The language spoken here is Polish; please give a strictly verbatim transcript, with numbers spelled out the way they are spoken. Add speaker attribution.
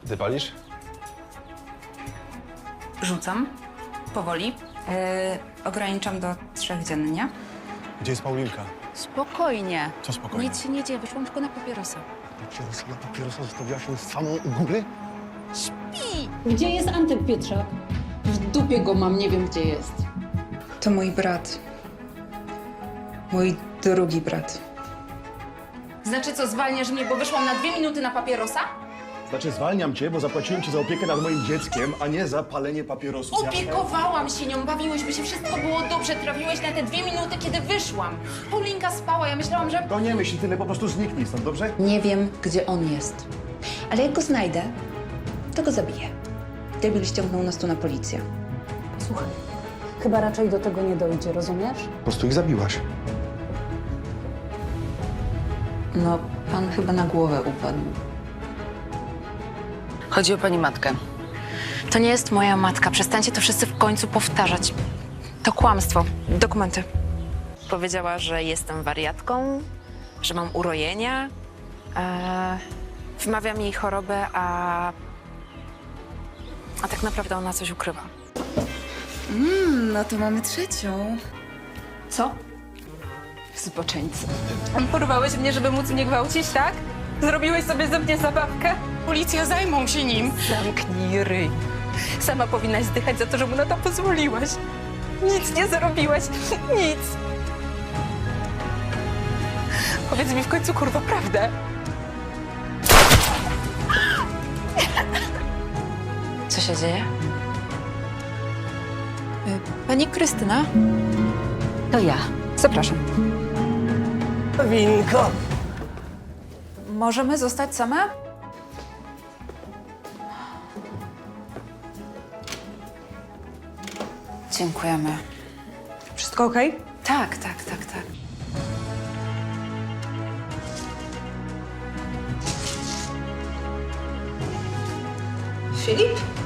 Speaker 1: Ty palisz?
Speaker 2: Rzucam. Powoli. E, ograniczam do trzech dziennie.
Speaker 1: Gdzie jest Paulinka?
Speaker 3: Spokojnie.
Speaker 1: Co spokojnie?
Speaker 3: Nic się nie dzieje, wyszłam tylko na papierosa.
Speaker 1: Papierosa na papierosa zostawiłaś ją samą u góry?
Speaker 4: Gdzie jest Antek Pietrzak? W dupie go mam, nie wiem gdzie jest.
Speaker 2: To mój brat. Mój drugi brat.
Speaker 3: Znaczy co, zwalniasz mnie, bo wyszłam na dwie minuty na papierosa?
Speaker 1: Znaczy zwalniam cię, bo zapłaciłem ci za opiekę nad moim dzieckiem, a nie za palenie papierosów.
Speaker 3: Opiekowałam się nią, bawiłyśmy się, wszystko było dobrze, trafiłeś na te dwie minuty, kiedy wyszłam. Paulinka spała, ja myślałam, że...
Speaker 1: To nie myśl tyle, po prostu zniknij stąd, dobrze?
Speaker 2: Nie wiem, gdzie on jest. Ale jak go znajdę, to go zabiję. Debil ściągnął nas tu na policję.
Speaker 4: Słuchaj, chyba raczej do tego nie dojdzie, rozumiesz?
Speaker 1: Po prostu ich zabiłaś.
Speaker 2: No, pan chyba na głowę upadł.
Speaker 3: Chodzi o pani matkę. To nie jest moja matka, przestańcie to wszyscy w końcu powtarzać. To kłamstwo. Dokumenty. Powiedziała, że jestem wariatką, że mam urojenia. E, wmawiam jej chorobę, a... A tak naprawdę ona coś ukrywa.
Speaker 2: Mm, no to mamy trzecią.
Speaker 3: Co? Zboczeńcy. Porwałeś mnie, żeby móc mnie gwałcić, tak? Zrobiłeś sobie ze mnie zabawkę? Policja zajmą się nim. Zamknij ryj. Sama powinnaś zdychać za to, że mu na to pozwoliłaś. Nic nie zrobiłaś. Nic. Powiedz mi w końcu, kurwa, prawdę. Co się dzieje?
Speaker 2: Pani Krystyna?
Speaker 3: To ja.
Speaker 2: Zapraszam.
Speaker 5: Winko!
Speaker 2: Możemy zostać same? Dziękujemy.
Speaker 5: Wszystko okej?
Speaker 2: Tak, tak, tak, tak.
Speaker 5: Filip?